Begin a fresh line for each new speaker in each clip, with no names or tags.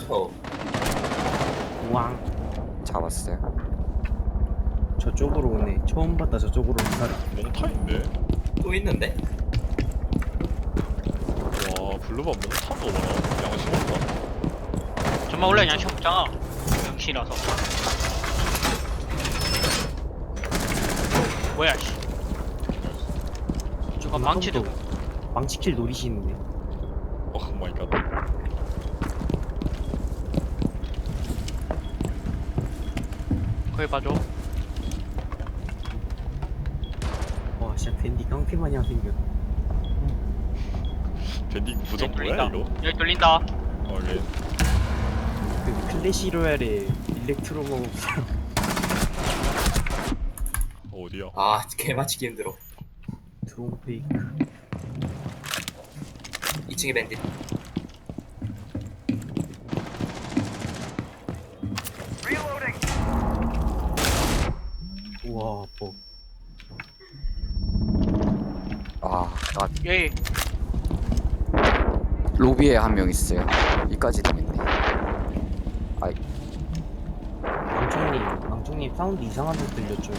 쳐.
우왕.
잡았어요.
저쪽으로 오네. 처음 봤다. 저쪽으로 오는 사람.
몽타인데?
또 있는데?
와 블루바 몽타도 많아. 양심 없다.
정말 원래 양심 없잖아. 양심이라서. 뭐야 씨. 저거 망치도.
망치킬 노리시는데.
오 마이 갓.
거기 봐줘.
와 진짜 밴디 깡패마냥 생겼.
밴딩 무적
여기
뭐야
뚫린다.
이거?
여기 뚫린다.
오케이.
그 클래시 로얄의 일렉트로모
어디야?
아 개맞히기 힘들어.
드론 페이크.
2층에 밴딧.
우와 뭐.
아, 나
여기
로비에 한 명 있어요. 이까지 되겠네. 아이,
망청님 사운드 이상한 데서 들렸죠.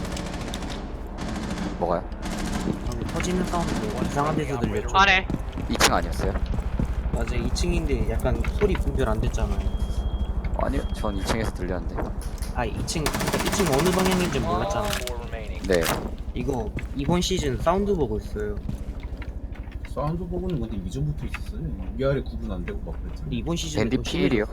뭐가요?
방금 터지는 사운드 이상한 데서 들렸죠.
안에
2층 아니었어요?
맞아 2층인데 약간 소리 분별 안 됐잖아요.
아니요, 전 2층에서 들렸는데.
아 2층 그러니까 2층 어느 방향인지 몰랐잖아요.
네.
이거 이번 시즌 사운드 보고 있어요.
사운드 버그는 근데 이전부터 있었어요. 위아래 구분 안 되고 막 그랬잖아.
근데 이번 시즌에
밴디
더
필이요.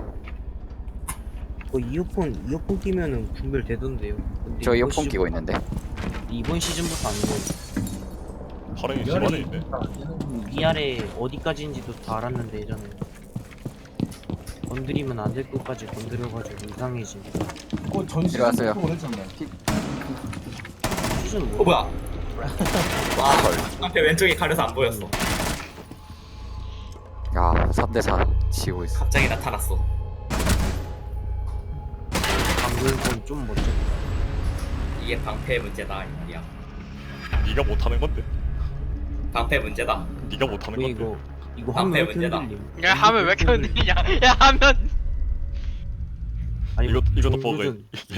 그 이어폰 끼면은 분별 되던데요. 근데
저
이번
이어폰 끼고 있는데.
이번 시즌부터 안 돼요.
파랑이
위아래
심하네 있네.
안 되는 부분이
위아래 어디까지인지도 다 알았는데 예전에 건드리면 안 될 것까지 건드려가지고 이상해지.
그거 전
들어갔어요.
시즌부터 그랬잖아.
시즌
어 뭐야? 와 앞에 왼쪽이 가려서 안 보였어.
야, 3대4 지고 있어.
갑자기 나타났어.
방금 건좀 멋져.
이게 방패의 문제다 이 말이야.
네가 못하는 건데.
방패 문제다.
네가 못하는 건데.
이거 화면 왜 이렇게
문제다.
흔들림?
야 하면 왜 이렇게 흔들리냐? 야 하면
아니,
이것도
정규전-
버그.